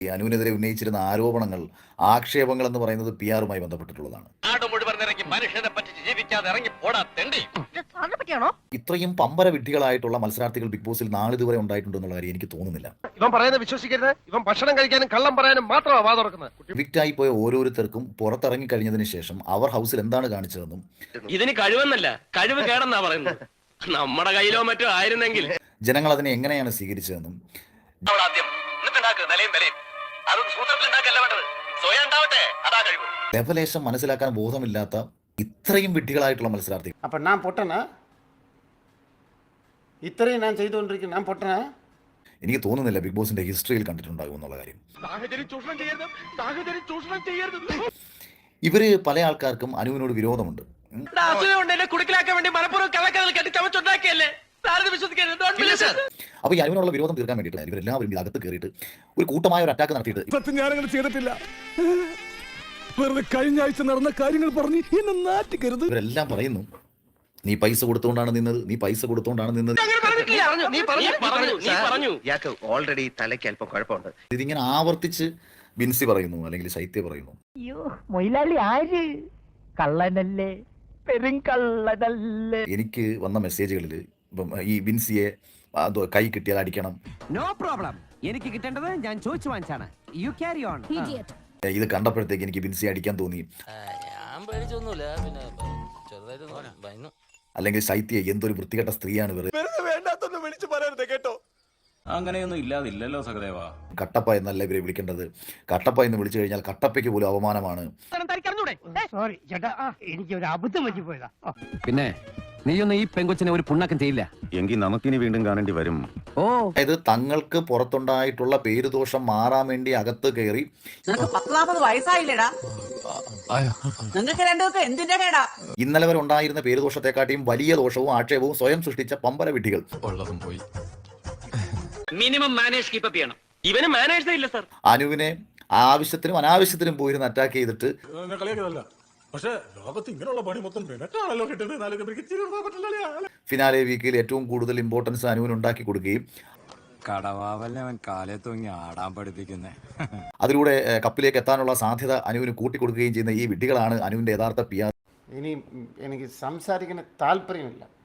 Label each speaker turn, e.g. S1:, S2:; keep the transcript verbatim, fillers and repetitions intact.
S1: ഈ അനുവിനെതിരെ ഉന്നയിച്ചിരുന്ന ആരോപണങ്ങൾ, ആക്ഷേപങ്ങൾ എന്ന് പറയുന്നത് പി ആറുമായി ബന്ധപ്പെട്ടിട്ടുള്ളതാണ്. ഇത്രയും പമ്പര വിഡ്ഢികളായിട്ടുള്ള മത്സരാർത്ഥികൾ ബിഗ് ബോസിൽ നാളിതുവരെ ഉണ്ടായിട്ടുണ്ടെന്നുള്ള കാര്യം എനിക്ക് തോന്നുന്നില്ല.
S2: ഇവൻ പറയുന്നത് വിശ്വസിക്കരുത്. ഇവൻ ഭക്ഷണം കഴിക്കാനും കള്ളം പറയാനും മാത്രമാണ് വാ തുറക്കുന്നത്.
S1: വിക്റ്റായി പോയ ഓരോരുത്തർക്കും പുറത്തിറങ്ങി കഴിഞ്ഞതിന് ശേഷം അവർ ഹൗസിൽ എന്താണ് കാണിച്ചതെന്നും
S3: ഇതിന് കഴിവെന്നല്ല കഴിവ് കേടെന്നാ പറയുന്നത്. നമ്മുടെ കയ്യിലോ മറ്റോ ആയിരുന്നെങ്കിൽ
S1: ജനങ്ങൾ അതിനെ എങ്ങനെയാണ് സ്വീകരിച്ചതെന്നും ലെവലേശം മനസ്സിലാക്കാൻ ബോധമില്ലാത്ത ഇത്രയും വിഡ്ഢികളായിട്ടുള്ള മത്സരാർത്ഥികൾ.
S4: അപ്പൊ ഞാൻ പൊട്ടനാ? ഇത്രയും ഞാൻ ചെയ്തുകൊണ്ടിരിക്കുന്നു, ഞാൻ പൊട്ടനാ?
S1: എനിക്ക് തോന്നുന്നില്ല ബിഗ് ബോസിന്റെ ഹിസ്റ്ററിയിൽ കണ്ടിട്ടുണ്ടാകും എന്നുള്ള കാര്യം. ഇവര് പല ആൾക്കാർക്കും അനുവിനോട് വിരോധമുണ്ട്. അപ്പൊ ഈ അനുവിനുള്ള വിരോധം തീർക്കാൻ വേണ്ടിയിട്ട് ഇവരെല്ലാവരും ഇത് അകത്ത് കയറിയിട്ട് ഒരു കൂട്ടമായ ഒരു അറ്റാക്ക് നടത്തിയിട്ട്
S5: ഞാനങ്ങനെ ചെയ്തിട്ടില്ല, വെറുതെ കഴിഞ്ഞ ആഴ്ച നടന്ന കാര്യങ്ങൾ പറഞ്ഞ് എന്നെ നാറ്റിക്കരുത്.
S1: ഇവരെല്ലാം പറയുന്നു നീ പൈസ കൊടുത്തുകൊണ്ടാണ് നിന്നത്, നീ പൈസ കൊടുത്തുകൊണ്ടാണ് നിന്നത്.
S2: ഓൾറെഡി തലയ്ക്ക് അല്പം കുഴപ്പമുണ്ട്.
S1: ഇതിങ്ങനെ ആവർത്തിച്ച് ബിൻസി പറയുന്നു, അല്ലെങ്കിൽ ശൈത്യ പറയുന്നു. എനിക്ക് വന്ന മെസ്സേജുകളിൽ ഈ ബിൻസിയെ കൈ കിട്ടിയാൽ അടിക്കണം.
S6: നോ പ്രോബ്ലം, എനിക്ക് കിട്ടേണ്ടത് ഞാൻ ചോദിച്ചു വാങ്ങിച്ചാണ്. You carry on.
S1: ഇത് കണ്ടപ്പോഴത്തേക്ക് എനിക്ക് ബിൻസിയെ അടിക്കാൻ തോന്നി. അല്ലെങ്കിൽ ശൈത്യ എന്തൊരു വൃത്തികെട്ട സ്ത്രീയാണ്
S5: കേട്ടോ. അങ്ങനെയൊന്നും ഇല്ലാതില്ലല്ലോ സഹദേവ.
S1: കട്ടപ്പ എന്നല്ല ഇവരെ വിളിക്കേണ്ടത്. കട്ടപ്പ എന്ന് വിളിച്ചു കഴിഞ്ഞാൽ കട്ടപ്പയ്ക്ക് പോലും അവമാനമാണ്.
S6: പിന്നെ നീയൊന്നും ഈ പെങ്കൊച്ചിനെ ഒരു പുണ്ണാക്കം ചെയ്യില്ല
S7: എങ്കിൽ നമുക്കിനി വീണ്ടും കാണേണ്ടി വരും.
S6: ഓ,
S1: അതായത് തങ്ങൾക്ക് പുറത്തുണ്ടായിട്ടുള്ള പേരുദോഷം മാറാൻ വേണ്ടി അകത്ത് കയറി
S8: വയസ്സായില്ലടാ, നിങ്ങൾക്ക് രണ്ടുപേർക്ക് എന്തിന്റെ കേടാ?
S1: ഇന്നലെ വരെ ഉണ്ടായിരുന്ന പേരുദോഷത്തെക്കാട്ടിയും വലിയ ദോഷവും ആക്ഷേപവും സ്വയം സൃഷ്ടിച്ച പമ്പര വിഡ്ഢികൾ.
S5: പോയി
S3: മിനിമം മാനേജ് കീപ്പ് ചെയ്യണം. ഇവന് മാനേജ് ഇല്ല സർ.
S1: അനുവിനെ ആവശ്യത്തിനും അനാവശ്യത്തിനും പോയിരുന്ന് അറ്റാക്ക് ചെയ്തിട്ട് ഫിനാലെ വീക്കിൽ ഏറ്റവും കൂടുതൽ ഇമ്പോർട്ടൻസ് അനുവിന് ഉണ്ടാക്കി കൊടുക്കുകയും
S5: കാലേ തൂങ്ങി ആടാൻ പഠിപ്പിക്കുന്നേ.
S1: അതിലൂടെ കപ്പിലേക്ക് എത്താനുള്ള സാധ്യത അനുവിന് കൂട്ടിക്കൊടുക്കുകയും ചെയ്യുന്ന ഈ വിഡ്ഢികളാണ് അനുവിന്റെ യഥാർത്ഥ പി ആർ.
S4: ഇനി എനിക്ക് സംസാരിക്കുന്ന താല്പര്യമില്ല.